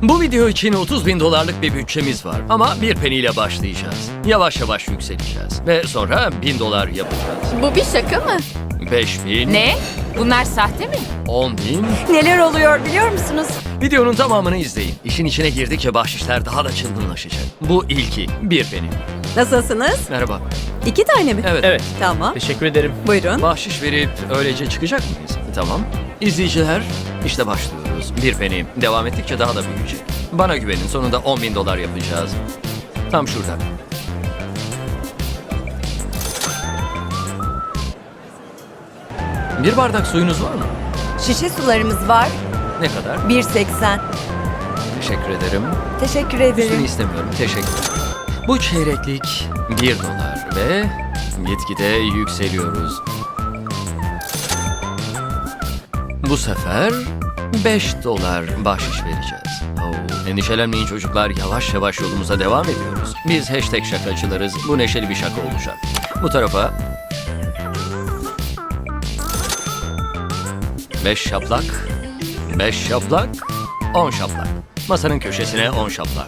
Bu video için 30 bin dolarlık bir bütçemiz var. Ama bir penny ile başlayacağız. Yavaş yavaş yükseleceğiz. Ve sonra 1000 dolar yapacağız. Bu bir şaka mı? 5000, Ne? Bunlar sahte mi? 10 bin. Neler oluyor biliyor musunuz? Videonun tamamını izleyin. İşin içine girdikçe bahşişler daha da çılgınlaşacak. Bu ilki. Bir penny. Nasılsınız? Merhaba. 2 tane mi? Evet. Evet. Tamam. Teşekkür ederim. Buyurun. Bahşiş verip öylece çıkacak mıyız? Tamam. İzleyiciler, işte başlıyoruz. Bir penny. Devam ettikçe daha da büyüyecek. Bana güvenin. Sonunda 10 bin dolar yapacağız. Tam şurada. Bir bardak suyunuz var mı? Şişe sularımız var. Ne kadar? 1.80. Teşekkür ederim. Teşekkür Üstünü ederim. istemiyorum. Teşekkür. Bu çeyreklik 1 dolar ve gitgide yükseliyoruz. Bu sefer 5 dolar bahşiş vereceğiz. Endişelenmeyin çocuklar, yavaş yavaş yolumuza devam ediyoruz. Biz hashtag şakacılarız. Bu neşeli bir şaka olacak. Bu tarafa 5 şaplak, 5 şaplak, 10 şaplak. Masanın köşesine 10 şaplak.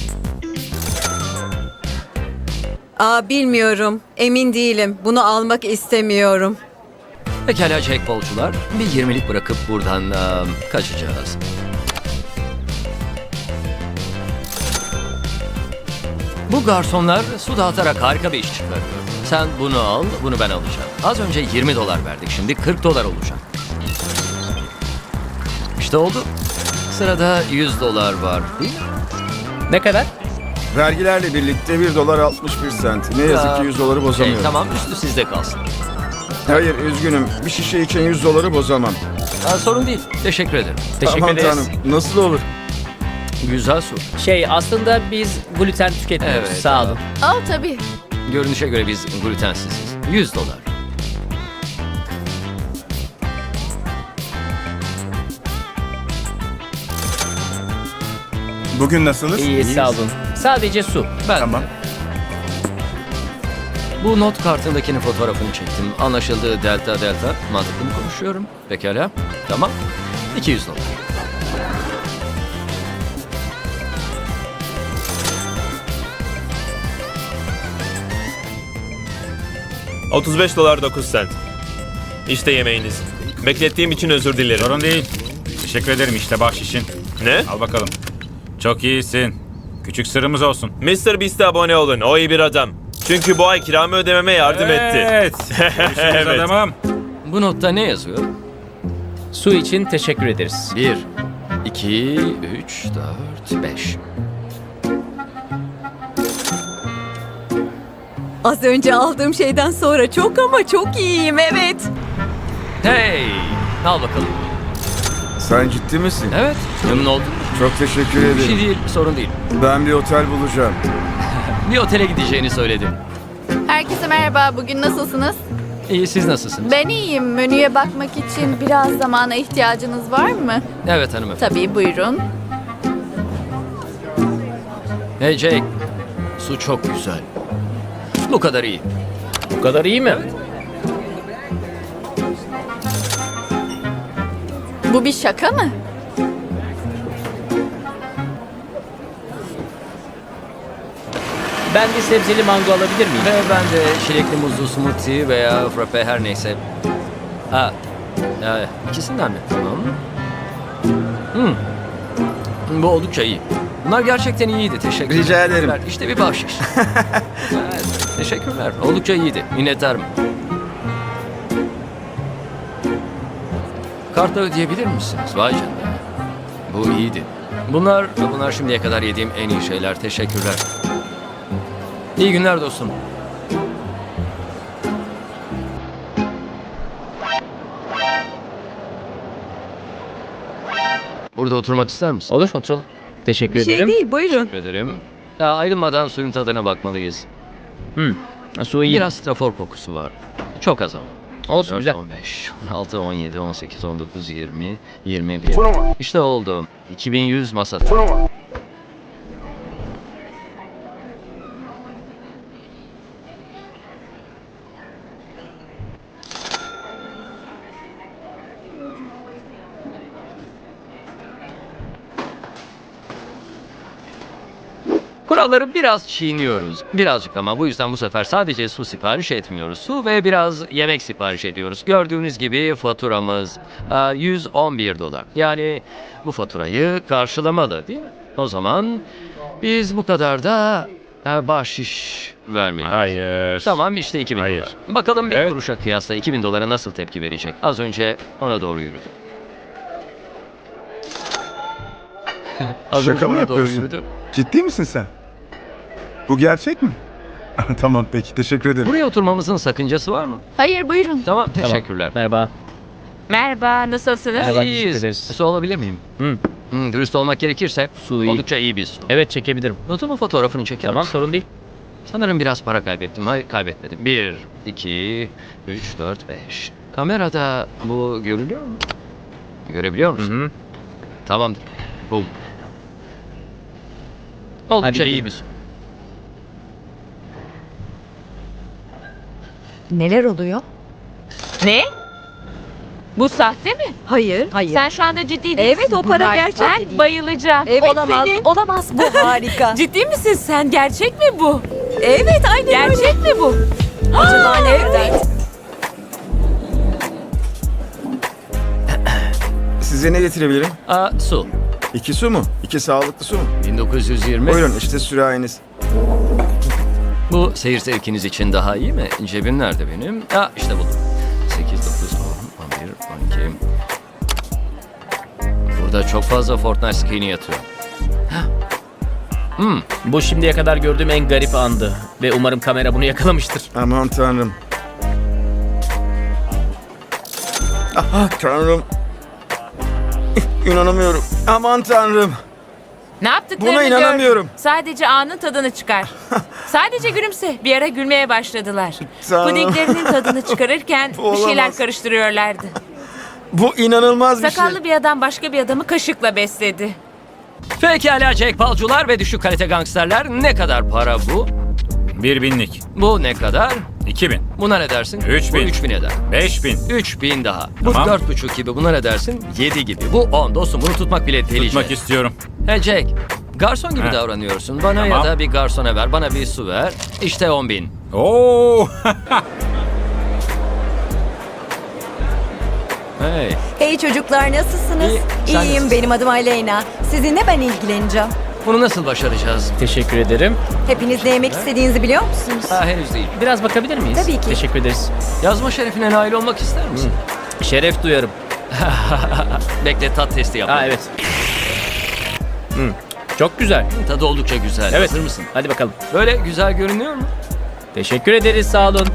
Bilmiyorum. Emin değilim. Bunu almak istemiyorum. Pekala jackpotçular, bir 20'lik bırakıp buradan kaçacağız. Bu garsonlar su dağıtarak harika bir iş çıkarıyor. Sen bunu al, bunu ben alacağım. Az önce 20 dolar verdik, şimdi 40 dolar olacak. İşte oldu. Sırada 100 dolar var. Değil mi? Ne kadar? Vergilerle birlikte 1 dolar 61 sent. Ne yazık ki 100 doları bozamıyorum. Tamam, üstü sizde kalsın. Hayır, üzgünüm. Bir şişe için 100 doları bozamam. Sorun değil, teşekkür ederim. Teşekkür Aman ederiz. tanrım, nasıl olur? Güzel su. Aslında biz gluten tüketmiyoruz. Evet, Sağ olun. Tabii. Görünüşe göre biz glutensiziz. 100 dolar. Bugün nasılsınız? İyi, sağ olun. Sadece su. Ben Tamam. de. Bu not kartındakinin fotoğrafını çektim. Anlaşıldı, delta. Mantıklı mı konuşuyorum? Pekala. Tamam. 200 dolar. $35 9 sent. İşte yemeğiniz. Beklettiğim için özür dilerim. Sorun değil. Teşekkür ederim, işte bahşişin. Ne? Al bakalım. Çok iyisin. Küçük sırrımız olsun. Mr. Beast'e abone olun. O iyi bir adam. Çünkü bu ay kiramı ödememe yardım etti. Evet. Görüşürüz Evet. adamım. Bu notta ne yazıyor? Su için teşekkür ederiz. 1, 2, 3, 4, 5. Az önce aldığım şeyden sonra çok ama çok iyiyim, evet. Hey! Al bakalım. Sen ciddi misin? Evet, memnun oldum. Çok teşekkür Bir şey ederim. değil, sorun değil. Ben bir otel bulacağım. Bir otele gideceğini söyledim. Herkese merhaba. Bugün nasılsınız? İyi, siz nasılsınız? Ben iyiyim. Menüye bakmak için biraz zamana ihtiyacınız var mı? Evet hanımefendi. Tabii, buyurun. Hey Jake, su çok güzel. Bu kadar iyi. Bu kadar iyi mi? Bu bir şaka mı? Ben bir sebzeli mango alabilir miyim? Ve ben de çilekli muzlu smoothie veya frappe her neyse. İkisinden mi? Tamam. Bu oldukça iyi. Bunlar gerçekten iyiydi. Teşekkür Rica ederim. İşte bir bahşiş. Evet, teşekkürler. Oldukça iyiydi. Minnettarım. Kartla ödeyebilir misiniz? Vay canına. Bu iyiydi. Bunlar şimdiye kadar yediğim en iyi şeyler. Teşekkürler. İyi günler dostum. Burada oturmak ister misin? Olur, oturalım. Teşekkür Bir şey ederim. değil, buyurun. Teşekkür ederim. Ayrılmadan suyun tadına bakmalıyız. Su iyi. Biraz strafor kokusu var. Çok az ama. Olsun, 4, güzel. 15, 16, 17, 18, 19, 20, 21. İşte oldu. 2100 masada. Kuralları biraz çiğniyoruz. Birazcık ama bu yüzden bu sefer sadece su sipariş etmiyoruz. Su ve biraz yemek sipariş ediyoruz. Gördüğünüz gibi faturamız 111 dolar. Yani bu faturayı karşılamalı değil mi? O zaman biz bu kadar da bahşiş vermeyiz. Hayır. Tamam işte 2000 Hayır. dolar. Bakalım bir Evet. kuruşa kıyasla 2000 dolara nasıl tepki verecek? Az önce ona doğru yürüdü. Az önce Şaka mı ona doğru yapıyorsun? yürüdü. Ciddi misin sen? Bu gerçek mi? Tamam peki teşekkür ederim. Buraya oturmamızın sakıncası var mı? Hayır buyurun. Tamam teşekkürler. Merhaba. Merhaba, nasılsınız? Merhaba, İyiyiz. teşekkür ederiz. Su alabilir miyim? Dürüst olmak gerekirse Su iyi. oldukça iyi bir su. Evet çekebilirim. Notumun fotoğrafını çeker Tamam misin? sorun değil. Sanırım biraz para kaybettim. Hayır kaybetmedim. 1, 2, 3, 4, 5. Kamerada bu görülüyor mu? Görebiliyor musun? Hı. Tamamdır. Bu. Oldukça Hadi iyi gidelim. bir su. Neler oluyor? Ne? Bu sahte mi? Hayır. Hayır. Sen şu anda ciddi değilsin. Evet, o para Bunlar- gerçek Ben değil. bayılacağım. Evet, Olamaz. senin. Olamaz. Bu harika. Ciddi misin sen? Gerçek mi bu? Evet aynen öyle. Gerçek mi bu? Acaba nereden? Size ne getirebilirim? Su. 2 su mu? 2 sağlıklı su mu? 1920. Buyurun işte sürahiniz. Bu seyir zevkiniz için daha iyi mi? Cebim nerede benim? İşte buldum. 8, 9, 10, 11, 12. Burada çok fazla Fortnite skin'i yatıyor. Bu şimdiye kadar gördüğüm en garip andı. Ve umarım kamera bunu yakalamıştır. Aman tanrım. Aha tanrım. İnanamıyorum. Aman tanrım. Ne yaptıklarını Buna inanamıyorum. gör. Sadece anın tadını çıkar. Sadece gülümse. Bir ara gülmeye başladılar. Tanrım. Pudinglerinin tadını çıkarırken Bu bir şeyler olamaz. karıştırıyorlardı. Bu inanılmaz bir şey. Sakallı bir adam başka bir adamı kaşıkla besledi. Pekala Jack Palcular ve düşük kalite gangsterler, ne kadar para bu? 1000'lik. Bu ne kadar? 2000. Buna ne dersin? 3000. Bu 3000 eder. 5000. 3000 daha. Bu Tamam. 4,5 gibi. Buna ne dersin? 7 gibi. Bu 10 dostum. Bunu tutmak bile delice. Tutmak istiyorum. Hey Jack. Garson gibi He. davranıyorsun. Bana ya Tamam. da bir garsona ver. Bana bir su ver. İşte 10.000. Oo! Hey. Hey çocuklar nasılsınız? İyi, sen İyiyim nasılsın? benim adım Aleyna. Sizinle ben ilgileneceğim. Bunu nasıl başaracağız? Teşekkür ederim. Hepiniz ne yemek istediğinizi biliyor musunuz? Henüz değil. Biraz bakabilir miyiz? Tabii ki. Teşekkür ederiz. Yazma şerefine nail olmak ister misin? Şeref duyarım. Bekle, tat testi yap. Evet. Çok güzel. Tadı oldukça güzel. Evet. Hazır mısın? Hadi bakalım. Böyle güzel görünüyor mu? Teşekkür ederiz sağ olun.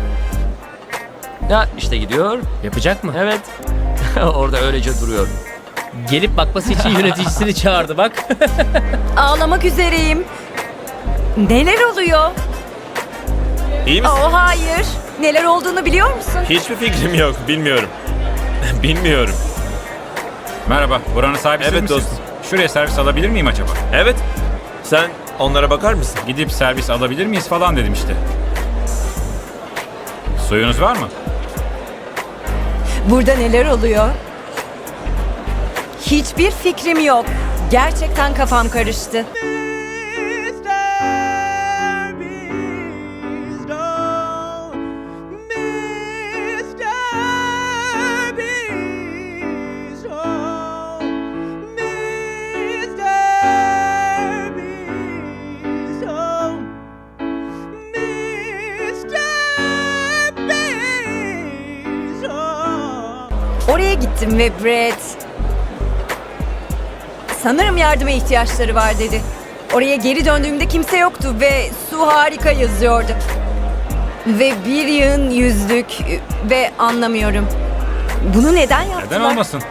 Ya işte gidiyor. Yapacak mı? Evet. Orada öylece duruyor. Gelip bakması için yöneticisini çağırdı bak. Ağlamak üzereyim. Neler oluyor? İyi misin? Oh hayır. Neler olduğunu biliyor musun? Hiçbir fikrim yok. Bilmiyorum. Bilmiyorum. Merhaba, buranın sahibi siz Evet misiniz? dostum. Şuraya servis alabilir miyim acaba? Evet. Sen onlara bakar mısın? Gidip servis alabilir miyiz falan dedim işte. Suyunuz var mı? Burada neler oluyor? Hiçbir fikrim yok. Gerçekten kafam karıştı. Oraya gittim ve Brett sanırım yardıma ihtiyaçları var dedi. Oraya geri döndüğümde kimse yoktu ve su harika yazıyordu. Ve bir yığın yüzlük ve anlamıyorum. Bunu neden yaptılar? Neden olmasın?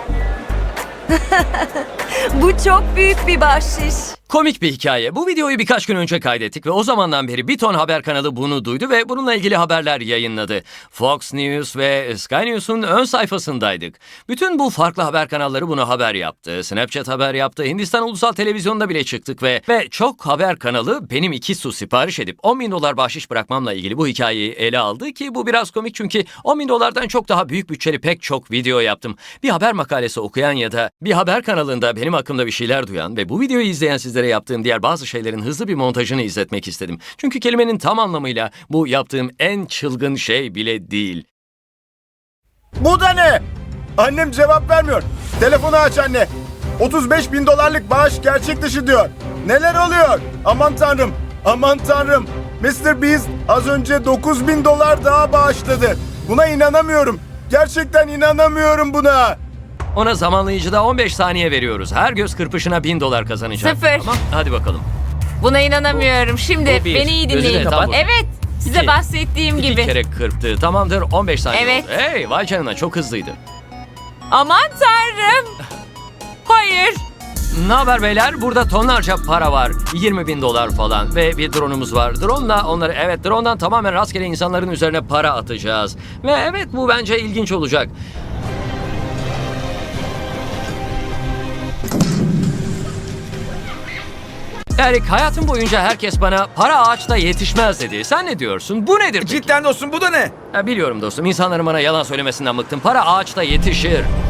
Bu çok büyük bir bahşiş. Komik bir hikaye. Bu videoyu birkaç gün önce kaydettik ve o zamandan beri bir ton haber kanalı bunu duydu ve bununla ilgili haberler yayınladı. Fox News ve Sky News'un ön sayfasındaydık. Bütün bu farklı haber kanalları bunu haber yaptı. Snapchat haber yaptı. Hindistan Ulusal Televizyonu'nda bile çıktık ve çok haber kanalı benim 2 su sipariş edip 10.000 dolar bahşiş bırakmamla ilgili bu hikayeyi ele aldı ki bu biraz komik çünkü 10.000 dolardan çok daha büyük bütçeli pek çok video yaptım. Bir haber makalesi okuyan ya da bir haber kanalında benim hakkımda bir şeyler duyan ve bu videoyu izleyen sizlere sizlere yaptığım diğer bazı şeylerin hızlı bir montajını izletmek istedim. Çünkü kelimenin tam anlamıyla bu yaptığım en çılgın şey bile değil. Bu da ne? Annem cevap vermiyor. Telefonu aç anne. 35 bin dolarlık bağış gerçek dışı diyor. Neler oluyor? Aman tanrım. Aman tanrım. Mr. Beast az önce 9 bin dolar daha bağışladı. Buna inanamıyorum. Gerçekten inanamıyorum buna. Ona zamanlayıcıda 15 saniye veriyoruz. Her göz kırpışına $1000 kazanacak. 0. Tamam, hadi bakalım. Buna inanamıyorum. Şimdi Bu bir. beni iyi Gözünü dinleyin. kapat. Evet. Size İki. bahsettiğim 2 gibi. kere kırptı. Tamamdır, 15 saniye Evet. oldu. Hey, vay canına, çok hızlıydı. Aman tanrım. Hayır. Ne haber beyler? Burada tonlarca para var. $20.000 falan ve bir drone'umuz var. Drone'la onları, evet, drone'dan tamamen rastgele insanların üzerine para atacağız. Ve evet, bu bence ilginç olacak. Erik, hayatım boyunca herkes bana para ağaçta yetişmez dedi. Sen ne diyorsun? Bu nedir peki? Cidden dostum bu da ne? Biliyorum dostum, insanların bana yalan söylemesinden bıktım. Para ağaçta yetişir.